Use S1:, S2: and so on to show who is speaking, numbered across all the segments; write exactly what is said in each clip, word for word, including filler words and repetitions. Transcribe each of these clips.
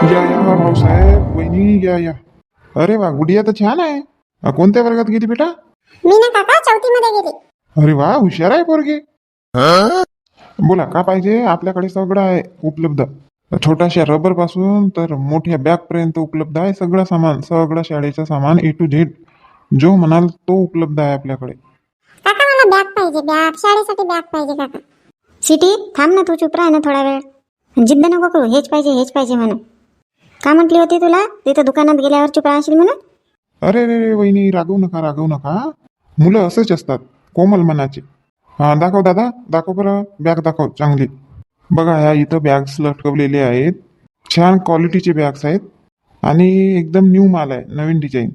S1: या या भाऊसाहेब वहिनी या या. अरे वा, गुडिया तर छान आहे. अ, कोणत्या वर्गात गेली बेटा?
S2: मी ना काका चौथी मध्ये गेली.
S1: अरे वा, हुशार आहे पोरगी. बोला का पाहिजे? आपल्याकडे सगळं आहे उपलब्ध. छोट्याशा रबर पासून तर मोठ्या बॅग पर्यंत उपलब्ध आहे. सगळं सामान, सगळं शाळेचं सामान ए टू झेड जो म्हणाल तो उपलब्ध आहे आपल्याकडे.
S2: काका मला बॅग पाहिजे, बॅग शाळेसाठी बॅग पाहिजे काका.
S3: सिटी थांब ना, तू चुप राह ना थोडा वेळ. जिद्द नको करू, हेच पाहिजे हेच पाहिजे म्हणून. का म्हटली होती तुला तिथं दुकानात गेल्यावर चुप राहशील म्हणून?
S1: अरे रे रे वहिनी, रागवू नका रागवू नका. मुलं असंच असतात, कोमल मनाचे. हा दाखव दादा, दाखव बरं बॅग, दाखव चांगली. बघा ह्या इथं बॅग्स लटकवलेले आहेत. छान क्वालिटीचे बॅग्स आहेत आणि एकदम न्यू माल आहे, नवीन डिझाईन.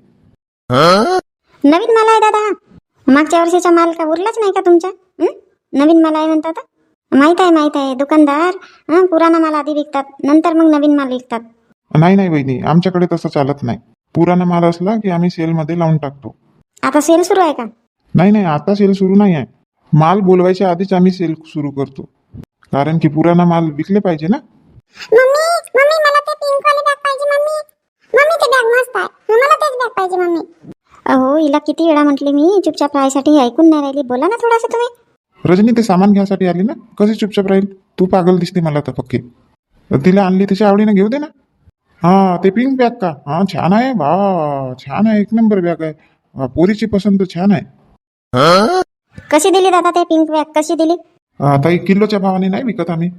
S3: नवीन माल आहे दादा. मागच्या वर्षीचा माल का उरलाच नाही का तुमचा? हं? नवीन माल आहे म्हणतात. माहित आहे माहित आहे, दुकानदार हं, पुराणा माल आधी विकतात, नंतर मग नवीन माल विकतात.
S1: नाही नाही वहिनी, आमच्याकडे तसं चालत नाही. पुराणा माल असला की आम्ही सेलमध्ये लावून टाकतो.
S3: आता सेल सुरू आहे का?
S1: नाही नाही, आता सेल सुरू नाही आहे. माल बोलवायच्या आधीच आम्ही सेल सुरू करतो, कारण की पुराणा माल विकले पाहिजे ना.
S2: मम्मी मम्मी मला ते पिंक वाली बॅग पाहिजे मम्मी. मम्मी ते बॅग मस्त आहे, मला तेच बॅग पाहिजे मम्मी.
S3: अहो हिला किती वेळा म्हटले मी, चुपचाप राहायसाठी ऐकून नाही राहिली. बोला ना थोडंसं तुम्ही.
S1: रजनी ते सामान घ्यायसाठी आली ना, कशी चुपचाप राहील? तू पागल दिसते मला तर पक्की. तिला आणली तिच्या आवडीने घेऊ दे ना. हा ते पिंक बॅग का? हा छान आहे बा, छान आहे, एक नंबर बॅग आहे. वा, पोरीची पसंत छान आहे.
S3: कशी दिली दादा ते पिंक बॅग, कशी दिली?
S1: आता एक किलोच्या भावाने नाही विकत आम्ही.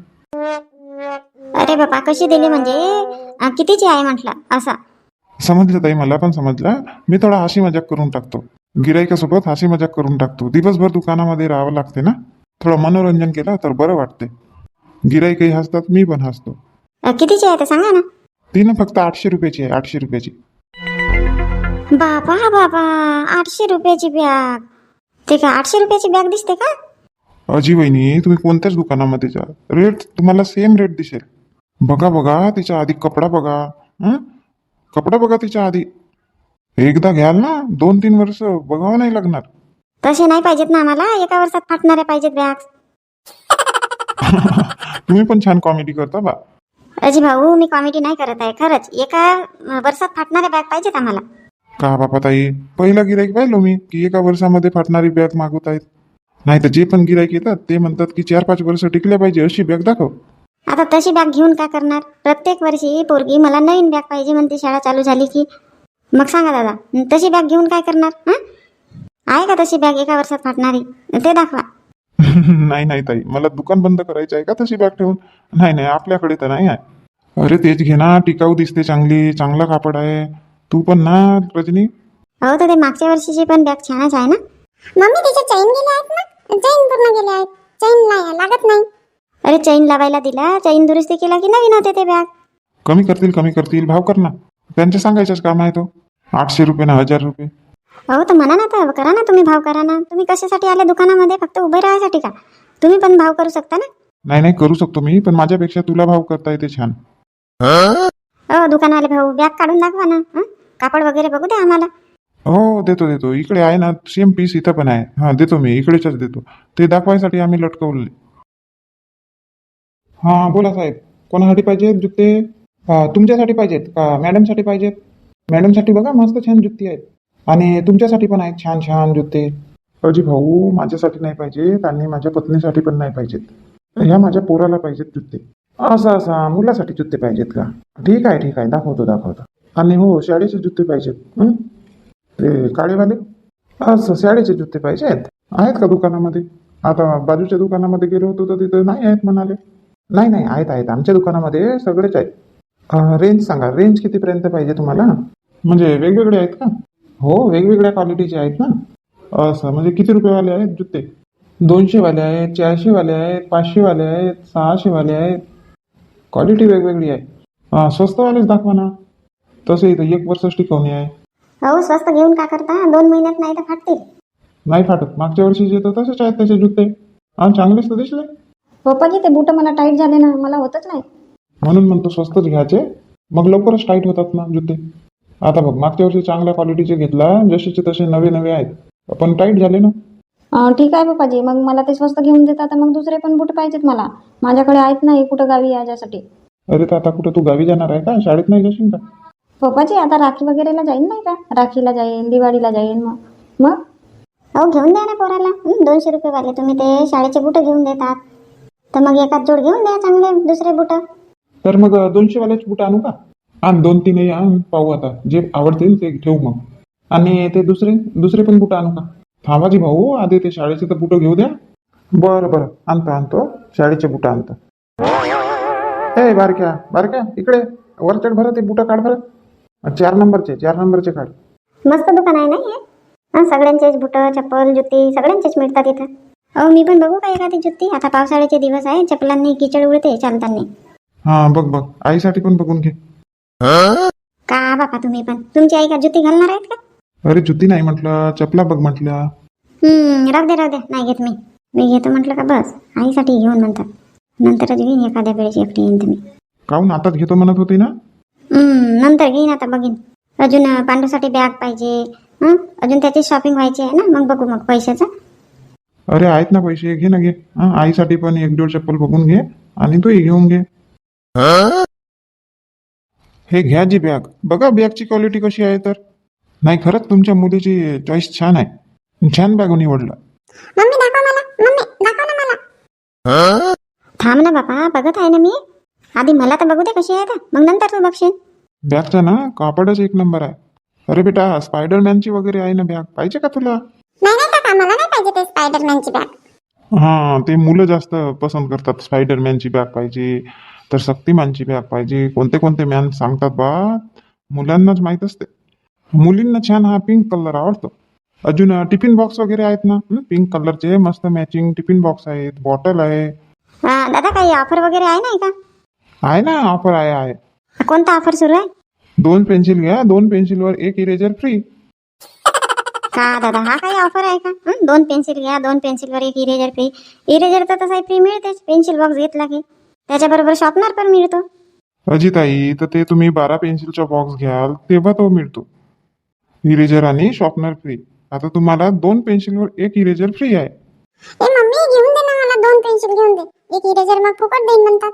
S3: अरे बापा, कशी दिली म्हणजे? अं, कितीची आहे म्हटलं असा?
S1: समजलं ताई, मला पण समजलं. मी थोडा हसी मजाक करून टाकतो, गिराईकासोबत हसी मजाक करून टाकतो. दिवसभर दुकानामध्ये राहावं लागते ना, थोडं मनोरंजन केलं तर बरं वाटते. गिराईकही हसतात, मी पण हसतो.
S3: अं, कितीची आहे ते सांगा ना.
S1: तिनं फक्त आठशे रुपयाची आहे, आठशे रुपयाची.
S3: बाबा बाबा, आठशे रुपयाची बॅग? ते का आठशे रुपयाची बॅग दिसते का?
S1: अजी वहिनी, तुम्ही कोणत्याच दुकानामध्ये जा, रेट तुम्हाला सेम रेट दिसेल. बघा बघा तिच्या आधी कपडा बघा. हं? कपडा बघा तिच्या आधी. एकदा घ्याल ना, दोन तीन वर्ष बघावं नाही लागणार.
S3: तसे नाही पाहिजेत ना आम्हाला, एका वर्षात फाटणाऱ्या पाहिजेत बॅग.
S1: तुम्ही पण छान कॉमेडी करता बा.
S3: अजी भाऊ, मी कॉमेडी नाही करत आहे, खरंच एका वर्षात फाटणाऱ्या बॅग पाहिजेत आम्हाला.
S1: का बापा ताई, पहिला गिराईक पाहिलो मी की एका वर्षामध्ये फाटणारी बॅग मागवत आहेत. नाही तर जे पण गिराईक येतात ते म्हणतात की चार पाच वर्ष टिकल्या पाहिजे अशी बॅग दाखव.
S3: आता तशी बॅग घेऊन काय करणार? प्रत्येक वर्षी पोरगी मला नवीन बॅग पाहिजे म्हणते शाळा चालू झाली की. मग सांगा दादा, तशी बॅग घेऊन काय करणार? हं? आहे का तशी बॅग एका वर्षात फाटणारी? ते दाखवा.
S1: नाही नाही ताई, मला दुकान बंद करायचं आहे का तशी बॅग ठेवून? नाही नाही, आपल्याकडे तर नाही आहे. अरे तेच घे ना, टिकाऊ दिसते, चांगली, चांगला कापड आहे. तू पण ना रजनी.
S3: हो तर ते मागच्या वर्षीची पण बॅग छानच आहे ना.
S2: मम्मी तिचे चैन गेले आहेत ना, चैन पूर्ण गेले आहेत, चैन नाही लागत नाही.
S3: अरे चैन लावायला दिला, चैन दुरुस्ती केला की नवीन होते ते बॅग.
S1: कमी करतील कमी करतील, भाव कर ना. त्यांचे सांगायचंच काम आहे तो. आठशे रुपये ना हजार रुपये.
S3: हो तर म्हणा ना, तर करा ना, तुम्ही भाव करा ना. तुम्ही कशासाठी आले दुकानामध्ये? फक्त उभे राहायसाठी का? तुम्ही पण भाव करू शकता ना.
S1: नाही नाही, करू शकतो मी, पण माझ्यापेक्षा तुला भाव करता येते छान.
S3: हो दुकानवाले भाऊ, बॅग काढून दाखवा ना. हं? कापड वगैरे बघू द्या आम्हाला.
S1: हो देतो देतो, इकडे आहे ना सेम पीस, इथं पण आहे. हा देतो मी, इकडेच देतो. ते दाखवायसाठी आम्ही लटकवले. हा बोला साहेब, कोणासाठी पाहिजेत जुत्ते? हा, तुमच्यासाठी पाहिजेत का मॅडमसाठी पाहिजेत? मॅडमसाठी बघा मस्त छान जुत्ती आहेत, आणि तुमच्यासाठी पण आहेत छान छान जुत्ते. अजी भाऊ, माझ्यासाठी नाही पाहिजेत आणि माझ्या पत्नीसाठी पण नाही पाहिजेत. ह्या माझ्या पोराला पाहिजेत जुत्ते. असं असं मुलासाठी जुत्ते पाहिजेत का? ठीक आहे ठीक आहे, दाखवतो दाखवतो. आणि हो, शाळेचे जुत्ते पाहिजेत. हं? ते काळेवाले? असं शाळेचे जुत्ते पाहिजेत. आहेत का दुकानामध्ये? आता बाजूच्या दुकानामध्ये गेलो होतो तर तिथं नाही आहेत म्हणाले. नाही नाही, आहेत आहेत, आमच्या दुकानामध्ये सगळेच आहेत. अं, रेंज सांगा, रेंज कितीपर्यंत पाहिजे तुम्हाला? म्हणजे वेगवेगळे आहेत का? हो, वेगवेगळ्या क्वालिटीचे आहेत ना. असं म्हणजे किती रुपयेवाले आहेत जुत्ते? दोनशेवाले आहेत, चारशेवाले आहेत, पाचशेवाले आहेत, सहाशेवाले आहेत. क्वालिटी वेगवेगळी आहे. हां, स्वस्तवालेच दाखवा ना. तसं इथं एक वर्ष टिकवणी आहे.
S3: हो स्वस्त घेऊन का करता? दोन महिन्यात नाही तर फाटतील.
S1: नाही फाटत, मागच्या वर्षीचे तर तसेच आहेत त्याचे जुत्ते. हां, चांगलेच तर दिसले.
S4: पप्पाजी ते बूट मला टाईट झाले ना, मला होतच नाही.
S1: म्हणून म्हणतो स्वस्तच घ्यायचे, मग लवकरच टाईट होतात ना जुते. आता बघ, मागच्या वर्षी चांगल्या क्वालिटीचे घेतला, जसेचे तसे नवे नवे आहेत, पण टाईट झाले ना.
S4: अं, ठीक आहे पप्पाजी, मग मला ते स्वस्त घेऊन देतात तर मग दुसरे पण बूट पाहिजेत मला. माझ्याकडे आहेत नाही कुठं गावी याच्यासाठी.
S1: अरे तर आता कुठं तू गावी जाणार आहे का? शाळेत नाही जाशील का?
S4: पप्पाजी आता राखी वगैरेला जाईन नाही का? राखीला जाईन, दिवाळीला जाईन. मग मग
S3: अहो घेऊन द्या ना पोराला. हं, दोनशे रुपये वाले तुम्ही ते शाळेचे बुटं घेऊन देतात, तर मग एकाच जोड घेऊन द्या चांगले दुसरे बुटं.
S1: तर मग दोनशे वाल्याचे बुट आणू का? आण दोन तीनही आण, पाहू आता जे आवडतील ते ठेवू मग. आणि ते दुसरे दुसरे पण बुटं आणू का? थांबाजी भाऊ, आधी ते शाळेचे तर बुटं घेऊ द्या. बरं बरं, आणतो आणतो शाळेचे बुटं आणतो. ए बारक्या बारक्या, इकडे वरचढ भरत ते बुटं काढ बरं. चार नंबरचे चार नंबरचे काढ.
S3: मस्त दुकान आहे ना हे. हां, सगळ्यांचेच बुटं, चप्पल, जुती सगळ्यांचेच मिळतात इथं. अहो मी पण बघू का एखादी जुती? आता पावसाळ्याचे दिवस आहे, चपलांनी किचड उडते चालताना.
S1: हा बघ बघ, आईसाठी पण बघून घे.
S3: का बापा तुम्ही पण, तुमची आई का जुती घालणार आहेत का?
S1: अरे जुती नाही म्हटलं, चपला बघ म्हटलं.
S3: हम्म, राहू दे राहू दे, नाही घेत मी. मी घेतो म्हटलं का बस, आईसाठी घेऊन म्हणतात. नंतरच घेईन एखाद्या वेळेस एकटी येईन तुम्ही.
S1: काहून आताच घेतो म्हणत होती ना?
S3: हम्म, नंतर घेईन, आता बघीन. अजून अं, पांडूसाठी बॅग पाहिजे. हं, अजून त्याची शॉपिंग व्हायची आहे ना, मग बघू मग पैशाचं.
S1: अरे आहेत ना पैसे, घे ना घे. हा, आईसाठी पण एक जोड चप्पल बघून घे आणि तूही घेऊन घे. हे घ्या जी बॅग, बघा बॅगची क्वालिटी कशी आहे. तर नाही, खरंच तुमच्या मुलीची चॉईस छान आहे, छान बॅग निवडला.
S2: मम्मी दाखव मला, मम्मी दाखव ना मला.
S3: थांब ना बापा, बघत आहे ना मी. आधी मला तर बघू दे कशी आहे, तर मग नंतर तू बघशील.
S1: बॅगचा ना कापडच एक नंबर आहे. अरे बेटा, स्पायडरमॅनची वगैरे आहे ना बॅग, पाहिजे का तुला?
S2: नाही नाही काका, मला नाही पाहिजे ते स्पायडरमॅनची बॅग.
S1: हा, ते मुलं जास्त पसंत करतात. स्पायडरमॅनची बॅग पाहिजे, तर शक्तिमानची बॅग पाहिजे. कोणते कोणते मॅन सांगतात बा, मुलांनाच माहीत असते. मुलींना छान हा पिंक कलर आवडतो. अजून टिफिन बॉक्स वगैरे आहेत ना, पिंक कलरचे मस्त मॅचिंग टिफिन बॉक्स आहेत, बॉटल आहे.
S3: हा, दादा काही ऑफर वगैरे आहे नाही का?
S1: आहे ना, ऑफर आहे आहे
S3: कोणता ऑफर सुरू आहे?
S1: दोन पेन्सिल घ्या, दोन पेन्सिलवर एक इरेजर फ्री.
S3: का दादा, हा काही ऑफर आहे का? हं, दोन पेन्सिल घ्या, दोन पेन्सिलवर एक इरेजर फ्री. इरेजर तर तसाही फ्री मिळतेच, पेन्सिल बॉक्स घेतला की. त्याच्याबरोबर शॉर्पनर पण मिळतो.
S1: अजिताई, तर ते तुम्ही बारा पेन्सिलचा बॉक्स घ्याल तेव्हा तो मिळतो, इरेजर आणि शॉर्पनर फ्री. आता तुम्हाला दोन पेन्सिलवर एक इरेजर फ्री आहे.
S2: ए मम्मी घेऊन दे ना मला, दोन पेन्सिल घेऊन दे. एक इरेजर मग फुकट देईन म्हणतात.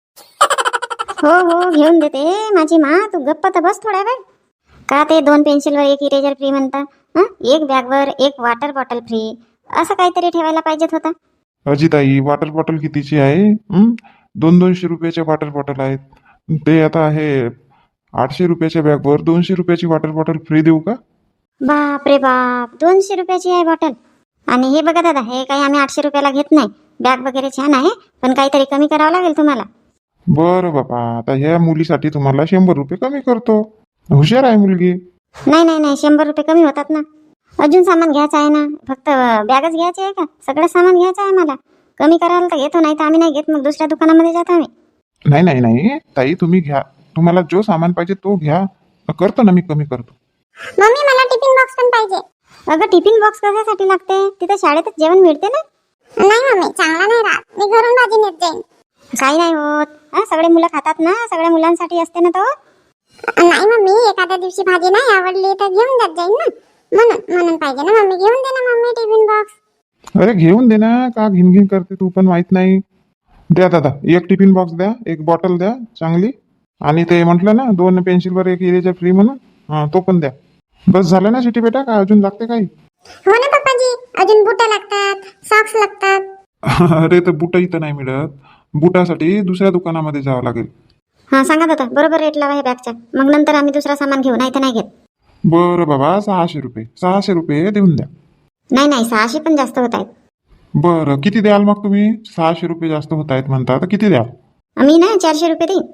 S3: हो हो, घेऊन देते माझी मा, तू गप्प तर बस थोड्या वेळ. का ते दोन पेन्सिलवर एक इरेजर फ्री म्हणता? हं, एक बॅगवर एक वॉटर बॉटल फ्री, असं काहीतरी ठेवायला पाहिजेत होता.
S1: अजिताई, वॉटर बॉटल कितीची आहे? हं? दोन दोनशे रुपयाचे वॉटर बॉटल आहेत. ते आता आहे आठशे रुपयाच्या बॅगवर दोनशे रुपयाची वॉटर बॉटल फ्री देऊ का?
S3: बाप रे बाप, दोनशे रुपयाची आहे बॉटल. आणि हे बघा दादा, हे काही आम्ही आठशे रुपयाला घेत नाही. बॅग वगैरे छान आहे, पण काहीतरी कमी करावं लागेल तुम्हाला.
S1: बरं बाबा, आता ह्या मुलीसाठी तुम्हाला शंभर रुपये कमी करतो. हुशार आहे मुलगी.
S3: नाही नाही नाही, शंभर रुपये कमी होतात ना. अजून सामान घ्यायचं आहे ना, फक्त बॅगच घ्यायची आहे का? सगळं सामान घ्यायचं आहे मला. कमी करायला तर घेतो, नाही तर आम्ही नाही घेत, मग दुसऱ्या दुकानामध्ये जातो आम्ही.
S1: नाही नाही नाही ताई, तुम्ही घ्या, तुम्हाला जो सामान पाहिजे तो घ्या, करतो ना मी, कमी करतो.
S2: मम्मी मला टिफिन बॉक्स पण पाहिजे.
S3: अगं टिफिन बॉक्स कशासाठी लागते? तिथे शाळेतच जेवण मिळते ना.
S2: नाही मम्मी, चांगला नाही राहत, मी घरून भाजी नेत जाईन.
S3: काही नाही होत, हा, सगळे मुलं खातात ना, सगळ्या मुलांसाठी असते ना तो.
S2: नाही मम्मी, एखाद्या दिवशी भाजी नाही आवडली तर घेऊन जात जाईन ना, म्हणून म्हणून पाहिजे ना मम्मी. घेऊन दे ना मम्मी टिफिन बॉक्स.
S1: अरे घेऊन दे ना, का घिन घिन करते तू पण, माहित नाही. द्या दादा, एक टिफिन बॉक्स द्या, एक बॉटल द्या चांगली, आणि ते म्हटलं ना दोन पेन्सिलवर एक इरेजर फ्री म्हणून, हा तो पण द्या. बस झालं ना सिटी बेटा, का अजून लागते काही?
S2: हो ना पप्पाजी, अजून बुटं लागतात, सॉक्स लागतात.
S1: अरे तर बुट इथं नाही मिळत, बुटासाठी दुसऱ्या दुकानामध्ये जावं लागेल.
S3: हा सांगा दादा, बरोबर रेट लावा हे बॅगचा, मग नंतर आम्ही दुसरा सामान घेऊ, नाही तर नाही घेत.
S1: बरं बाबा, सहाशे रुपये सहाशे रुपये देऊन द्या.
S3: नाही नाही, सहाशे पण जास्त होत आहेत.
S1: बरं, किती द्याल मग तुम्ही? सहाशे रुपये जास्त होत आहेत म्हणता, तर किती द्याल?
S3: आम्ही ना चारशे रुपये देईन.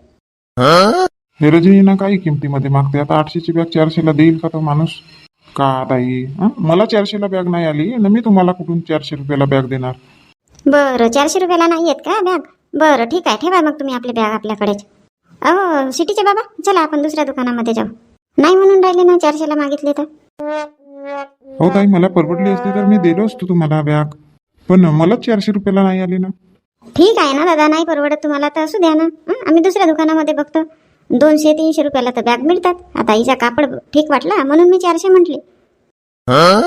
S1: हे रजनी ना काही किमतीमध्ये मागते. आता आठशेची बॅग चारशेला देईल का तो माणूस? का ताई, हं? मला चारशेला बॅग नाही आली ना, मी तुम्हाला कुठून चारशे रुपयाला बॅग देणार?
S3: बरं, चारशे रुपयाला नाही येत का बॅग? बरं ठीक आहे, ठेवा मग तुम्ही आपली बॅग आपल्याकडेच. अहो सिटीचे बाबा, चला आपण दुसऱ्या दुकानामध्ये जाऊ. नाही म्हणून राहिले ना, चारशेला मागितले तर.
S1: हो ताई, मला परवडली असती तर मी दिलो असतो तुम्हाला बॅग, पण मला चारशे रुपयाला नाही आली ना.
S3: ठीक आहे ना दादा, नाही परवडत तुम्हाला तर असू द्या ना, हं? आम्ही दुसऱ्या दुकानामध्ये बघतो. दोनशे तीनशे रुपयाला तर बॅग मिळतात. आता हिचा कापड ठीक वाटला म्हणून मी चारशे म्हटली.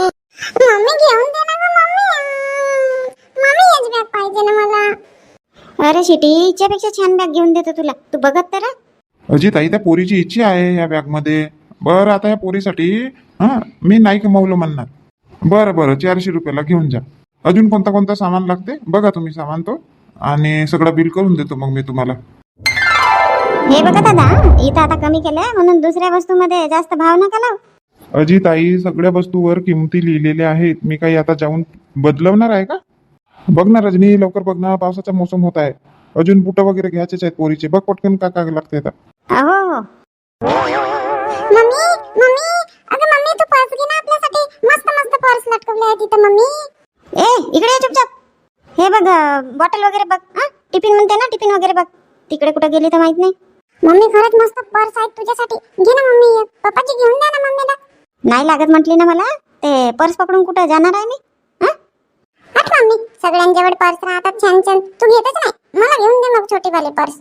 S2: मम्मी घेऊन दे ना गं मम्मी. मम्मी हेच बॅग पाहिजे ना मला.
S3: अरे शिटी, हिच्यापेक्षा छान बॅग घेऊन देतो तुला, तू बघत तर राह.
S1: अजी ताई त्या पोरीची इच्छा आहे या बॅगमध्ये. बरं आता या पोरीसाठी हां मी नाही कमवलं म्हणणार. बरं बरं चारशे रुपयाला घेऊन जा. अजून कोणता कोणता सामान लागते बघा तुम्ही सामान तो, आणि सगळं बिल करून देतो मग मी तुम्हाला.
S3: हे बघा दादा, इथं आता कमी केलंय म्हणून दुसऱ्या वस्तूमध्ये जास्त भाव नका लावू.
S1: अजी ताई सगळ्या वस्तूवर किमती लिहिलेल्या आहेत. मी काही आता जाऊन बदलवणार आहे का? बघ ना रजनी, लवकर बघ ना, पावसाचा मोसम होत आहे. अजून बुटं वगैरे घ्यायचेच आहेत पोरीचे. बघ पटकन काय काय लागते आता.
S3: हो हो.
S2: मम्मी मम्मी अगं मम्मी तू पर्स घे ना आपल्यासाठी. मस्त मस्त पर्स लटकवले आहे तिथं मम्मी.
S3: ए इकडे ये चुपचाप. हे बघ बॉटल वगैरे बघ. हा टिफिन म्हणते ना, टिफिन वगैरे बघ. तिकडे कुठे गेली तर माहित नाही.
S2: मम्मी खरंच मस्त पर्स आहे तुझ्यासाठी. घे ना मम्मी एक. पप्पाची घेऊन द्या ना मम्मीला.
S3: नाही लागत म्हटली ना मला. ते पर्स पकडून कुठं जाणार आहे मी?
S2: हट मम्मी, सगळ्यांजवळ पर्स राहतात छान छान. तू घेतच नाही. मला घेऊन दे मग छोटी वाली पर्स.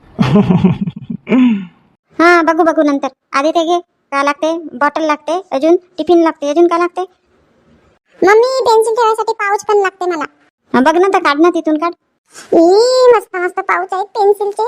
S3: हा बघू बघू नंतर. आधी ते घे. काय लागते? बॉटल लागते, अजून टिफिन लागते, अजून काय लागते?
S2: मम्मी पेन्सिल ठेवायसाठी पाऊच पण लागते मला.
S3: हा, बघ ना तर काढ ना, तिथून काढ.
S2: ई मस्त मस्त पाऊच आहेत पेन्सिलचे.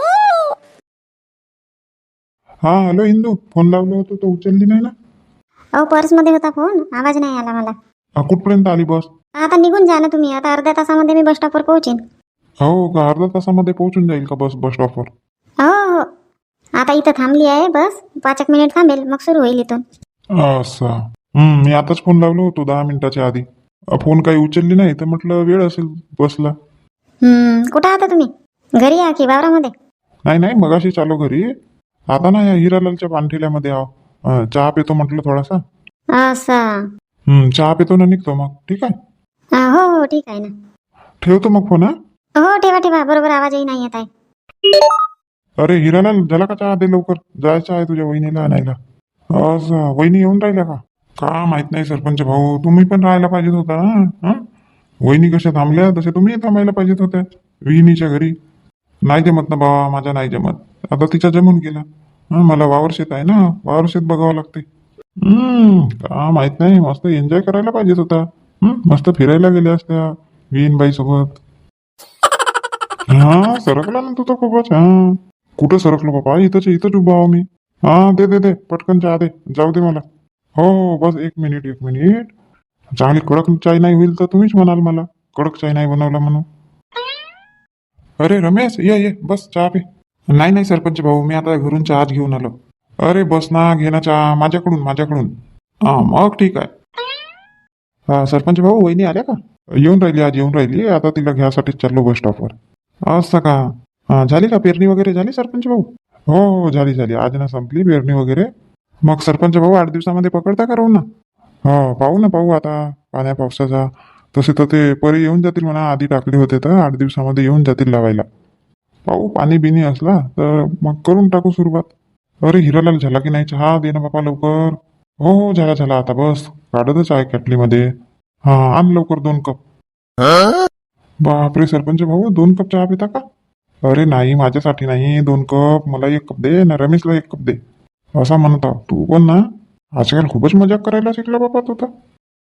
S1: हा हॅलो इंदू, फोन लावलो होतो तो उचलली नाही ना.
S3: अहो पर्स मध्ये होता फोन, आवाज नाही आला मला.
S1: हा, कुठपर्यंत आली बस?
S3: आता निघून जा ना तुम्ही. आता अर्ध्या तासामध्ये मी बस स्टॉपवर पोहोचेन.
S1: हो का, अर्धा तासामध्ये पोहोचून जाईल का बस बस स्टॉपवर?
S3: हो हो. आता इथं थांबली आहे बस. पाच एक मिनिट थांबेल, मग सुरू होईल इथून.
S1: असं हम्म मी आताच फोन लावलो होतो दहा मिनिटाच्या आधी. अ, फोन काही उचलली नाही तर म्हटलं वेळ असेल बसला.
S3: हम्म कुठं आता तुम्ही? घरी या की वावरामध्ये?
S1: नाही नाही मगाशी चालू घरी. आता ना या हिरालालच्या पानठेल्यामध्ये आहो. अ, चहा पितो म्हटलं थोडासा.
S3: असं.
S1: हम्म चहा पितो ना निघतो मग. ठीक आहे.
S3: हा, हो हो ठीक आहे ना.
S1: ठेवतो मग फोन. हा
S3: हो ठेवा ठेवा. बरोबर आवाजही नाही येत आहे.
S1: अरे हिरालाल झाला का चहा? दे लवकर, जायचं आहे तुझ्या वहिनीला आणायला. असं वहिनी येऊन राहिल्या का? का माहित नाही सरपंच भाऊ, तुम्ही पण राहायला पाहिजेत होता ना. हा वहिनी कशा थांबल्या तसे तुम्ही थांबायला पाहिजेत होत्या विहिनीच्या घरी. नाही जमत ना बाबा, माझा नाही जमत. आता तिच्या जमून गेला. हा मला वावर शेत आहे ना, वावर शेत बघावं लागते. हम्म का माहित नाही, मस्त एन्जॉय करायला पाहिजेत होता. हम्म मस्त फिरायला गेल्या असत्या विहीनबाई सोबत. हा सरकला ना तू तर खूपच. हा कुठं सरकलो बाबा, इथंच इथंच उभा आहो मी. हा दे दे दे पटकन चहा दे, जाऊ दे मला. हो हो बस एक मिनिट एक मिनिट. चांगली कडक चाय नाही होईल तर तुम्हीच म्हणाल मला कडक चाय नाही बनवला म्हणून. अरे रमेश ये ये बस चहा पे. नाही नाही सरपंच भाऊ, मी आता घरून चहाच घेऊन आलो. अरे बस ना, घे ना चहा माझ्याकडून माझ्याकडून. हा मग ठीक आहे. हा सरपंच भाऊ वहिनी आल्या का? येऊन राहिली, आज येऊन राहिली. आता तिला घ्यासाठीच चाललो बस स्टॉपवर. असं का? हा झाली का पेरणी वगैरे झाली सरपंच भाऊ? हो हो झाली झाली, आज ना संपली पेरणी वगैरे. मग सरपंच भाऊ आठ दिवसामध्ये पकडता का राहू ना? हो पाहू ना पाहू आता पाण्या पावसाचा. तसे तर ते परी येऊन जातील म्हणा, आधी टाकले होते तर आठ दिवसामध्ये येऊन जातील लावायला. पाहू पाणी बिनी असला तर मग करून टाकू सुरुवात. अरे हिरालाल झाला की नाही चहा? दे ना बापा लवकर. हो हो झाला झाला, आता बस काढतच आहे कॅटलीमध्ये. हा आण लवकर दोन कप. बापरे सरपंच भाऊ, दोन कप चहा पिता का? अरे नाही माझ्यासाठी नाही, दोन कप मला एक कप दे ना, रमेशला एक कप दे. असा म्हणता तू पण ना, आजकाल खूपच मजाक करायला शिकला बाबा तू तर.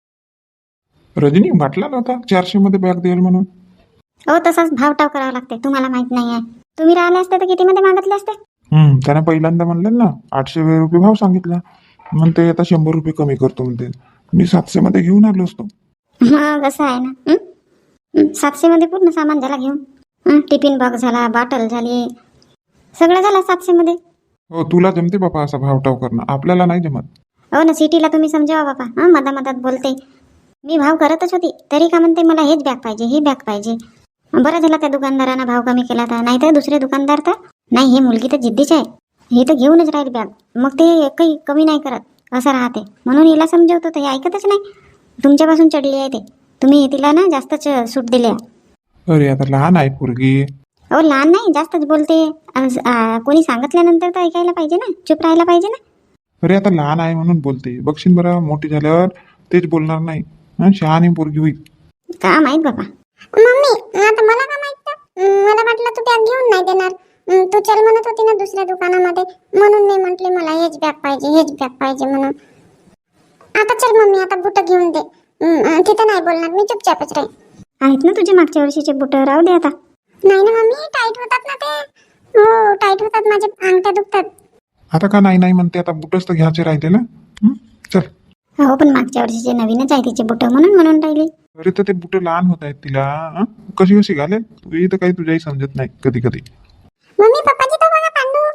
S1: रजनी वाटला नव्हता चारशे मध्ये बॅग देईल म्हणून.
S3: हो तसाच भाव टाव करावा लागते, तुम्हाला माहित नाही आहे. तुम्ही राहिले असते तर किती मध्ये मागितले असते?
S1: हम्म त्याने पहिल्यांदा म्हणले ना आठशे रुपये भाव सांगितला. म्हणते आता शंभर रुपये कमी करतो म्हणते. मी सातशे मध्ये घेऊन आलो असतो.
S3: मग असं आहे ना. सातशे मध्ये पूर्ण सामान झाला घेऊन. हं, टिफिन बॉक्स झाला, बॉटल झाली, सगळं झालं सातशे मध्ये.
S1: हो तुला जमते बापा असा भाव टाव करणं, आपल्याला नाही जमत.
S3: हो ना, सिटीला तुम्ही समजावा बापा. हा मधा मधात बोलते. मी भाव करतच होती तरी का म्हणते मला हेच बॅग पाहिजे, ही बॅग पाहिजे. बरं झालं त्या दुकानदारानं भाव कमी केला तर, नाही तर दुसरे दुकानदार तर नाही, ही मुलगी तर जिद्दीच आहे, हे तर घेऊनच राहील बॅग. मग ते काही कमी नाही करत, असं राहते. म्हणून हिला समजवतो तर हे ऐकतच नाही. तुमच्यापासून चढली आहे ते, तुम्ही तिला ना जास्तच सूट दिली आहे.
S1: अरे आता लहान आहे पोरगी.
S3: हो लहान नाही, जास्तच बोलते. आज, आ, कोणी सांगितल्यानंतर तर ऐकायला पाहिजे ना, चुप राहायला पाहिजे ना.
S1: अरे आता लहान आहे म्हणून बोलते, बघशील बरं मोठी झाल्यावर तेच बोलणार नाही. हं, शहाणी पोरगी होईल.
S3: का माहित बाबा.
S2: मम्मी आता मला का माहित तर? मला वाटलं तू बॅग घेऊन नाही देणार. हं, तू चल म्हणत होती ना दुसऱ्या दुकानामध्ये, म्हणून मी म्हटले मला हेच बॅग पाहिजे हेच बॅग पाहिजे म्हणून. आता चल मम्मी, आता बुट घेऊन दे. हं, तिथं नाही बोलणार मी, चुपचापच राहील.
S3: आहेत ना तुझे मागच्या वर्षीचे बुट, राहू दे आता.
S2: नाही ना मम्मी, टाईट होतात ना ते. हो टाईट होतात, माझे अंगठ्या दुखतात.
S1: आता का नाही नाही म्हणते, आता बुटच तर घ्यायचे राहिले ना. हं? चल.
S3: हो पण मागच्या वर्षीचे नवीनच आहे तिचे बुट, म्हणून म्हणून राहिली.
S1: अरे तर ते बुट लहान होत आहेत तिला. हं? कशी कशी घालेल तू, तर काही तुझ्याही समजत नाही कधी कधी.
S2: मम्मी पप्पाची तो बघा पांडू.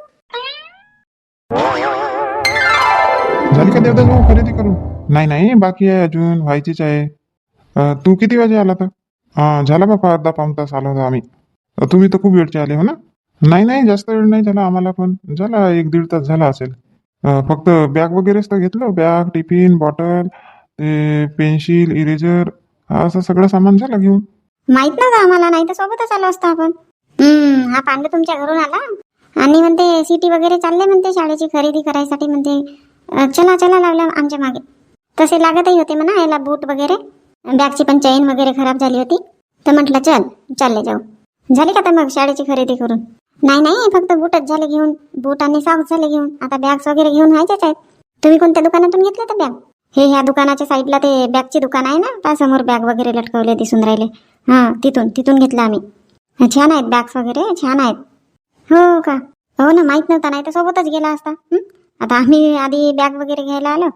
S1: झाली का देवदास भाऊ खरेदी करून? नाही नाही, बाकी आहे अजून, व्हायचीच आहे. अं, तू किती वाजे आला तर? हा झाला बापा, अर्धा पाऊण तास आलो होतो आम्ही. अं, तुम्ही तर खूप वेळचे आले हो ना. नाही नाही, जास्त वेळ नाही झाला आम्हाला, पण झाला एक दीड तास झाला असेल. अं, फक्त बॅग वगैरेच तर घेतलं, बॅग, टिफिन, बॉटल, ते पेन्सिल, इरेजर, असं सगळं सामान झालं घेऊन.
S3: माहित नव्हतं आम्हाला, नाही तर सोबतच आलो असतो आपण. हम्म हा पांडू तुमच्या घरून आला आणि म्हणते सिटी वगैरे चालले म्हणते शाळेची खरेदी करायसाठी म्हणते. अं, चला चला लागला आमच्या मागे. तसे लागतही होते म्हणा याला बूट वगैरे. बॅगची पण चेन वगैरे खराब झाली होती, तर म्हटलं चल चालले जाऊ. झाली का तर मग शाळेची खरेदी करून? नाही नाही, फक्त बूटच झाले घेऊन, बूट आणि सॉक्स झाले घेऊन. आता बॅग्स वगैरे घेऊन व्हायच्याच आहेत. तुम्ही कोणत्या दुकानातून घेतलं तर बॅग? हे ह्या दुकानाच्या साईडला ते बॅगची दुकान आहे ना, त्या समोर बॅग वगैरे लटकवले दिसून राहिले. हां तिथून तिथून घेतलं आम्ही. छान आहेत बॅग्स वगैरे, छान आहेत. हो का? हो ना, माहीत नव्हता, नाही तर सोबतच गेला असता. हं? आता आम्ही आधी बॅग वगैरे घ्यायला आलो.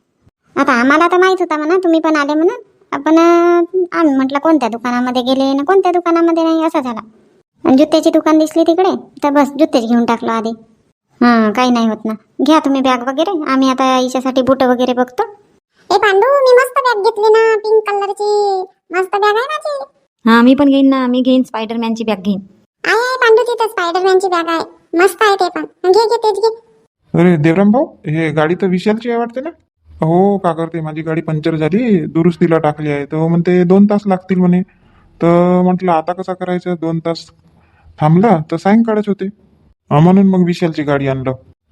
S3: आता आम्हाला तर माहीत होता म्हणा तुम्ही पण आले म्हणून. आपण आम्ही म्हटलं कोणत्या दुकानामध्ये गेले ना कोणत्या दुकानामध्ये नाही, असा झाला. आणि जुत्याची दुकान दिसली तिकडे, तर बस जुत्तेच घेऊन टाकलो आधी. हां काही नाही होत ना, घ्या तुम्ही बॅग वगैरे, आम्ही आता हिच्यासाठी बूट वगैरे बघतो.
S2: ए पांडू, मी मस्त बॅग घेतली ना, पिंक कलरची. मस्त बॅग आहे माझी.
S4: हा मी पण घेईन ना, मी घेईन स्पायडरमॅनची बॅग घेईन.
S2: आहे आहे पांडू, तिथं स्पायडरमॅनची बॅग आहे. मस्त आहे ते पण. घे घे तेच घे.
S1: अरे देवराम भाऊ, हे गाडी तर विशालची आहे वाटते ना. हो का करते, माझी गाडी पंक्चर झाली, दुरुस्तीला टाकली आहे. तर म्हणते दोन तास लागतील म्हणे. तर म्हटलं आता कसं करायचं, दोन तास थांबला तर सायंकाळच होते. अं, म्हणून मग विशालची गाडी आणलं.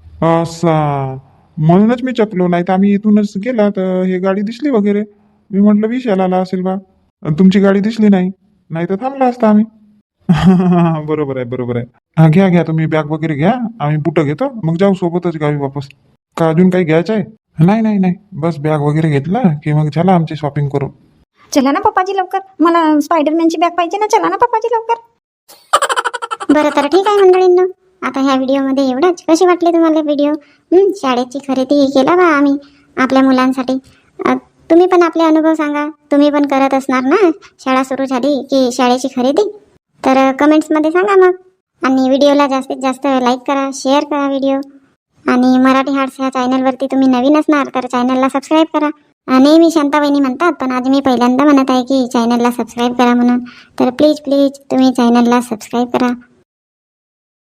S1: असा म्हणूनच मी चकलो, नाही तर आम्ही इथूनच गेला तर हे गाडी दिसली वगैरे, मी म्हटलं विशाल आला असेल बा. अन् तुमची गाडी दिसली नाही, नाही तर थांबला असता आम्ही. बरोबर आहे बरोबर आहे. हा घ्या घ्या, तुम्ही बॅग वगैरे घ्या, आम्ही बुटं घेतो, मग जाऊ सोबतच गावी वापस. का अजून काही घ्यायचं आहे? नाही नाही नाही, बस बॅग वगैरे घेतला की मग झाला आमची शॉपिंग करून.
S4: चला ना पप्पाजी लवकर, मला स्पायडरमॅनची बॅग पाहिजे ना, चला ना पप्पाजी लवकर.
S3: बरं तर ठीक आहे मंडळींनो, आता ह्या व्हिडिओमध्ये एवढंच. कशी वाटली तुम्हाला व्हिडिओ? हं, शाळेची खरेदी केला बा आम्ही आपल्या मुलांसाठी. अ, तुम्ही पण आपले अनुभव सांगा, तुम्ही पण करत असणार ना शाळा सुरू झाली की शाळेची खरेदी. तर कमेंट्समध्ये सांगा मग. आणि व्हिडिओला जास्तीत जास्त लाईक करा, शेअर करा व्हिडिओ. आणि मराठी हार्ट्स ह्या चॅनलवरती तुम्ही नवीन असणार तर चॅनलला सबस्क्राईब करा. अ, नेहमी शांताबाईनी म्हणतात, पण आज मी पहिल्यांदा म्हणत आहे की चॅनलला सबस्क्राईब करा म्हणून. तर प्लीज प्लीज तुम्ही चॅनलला सबस्क्राईब करा.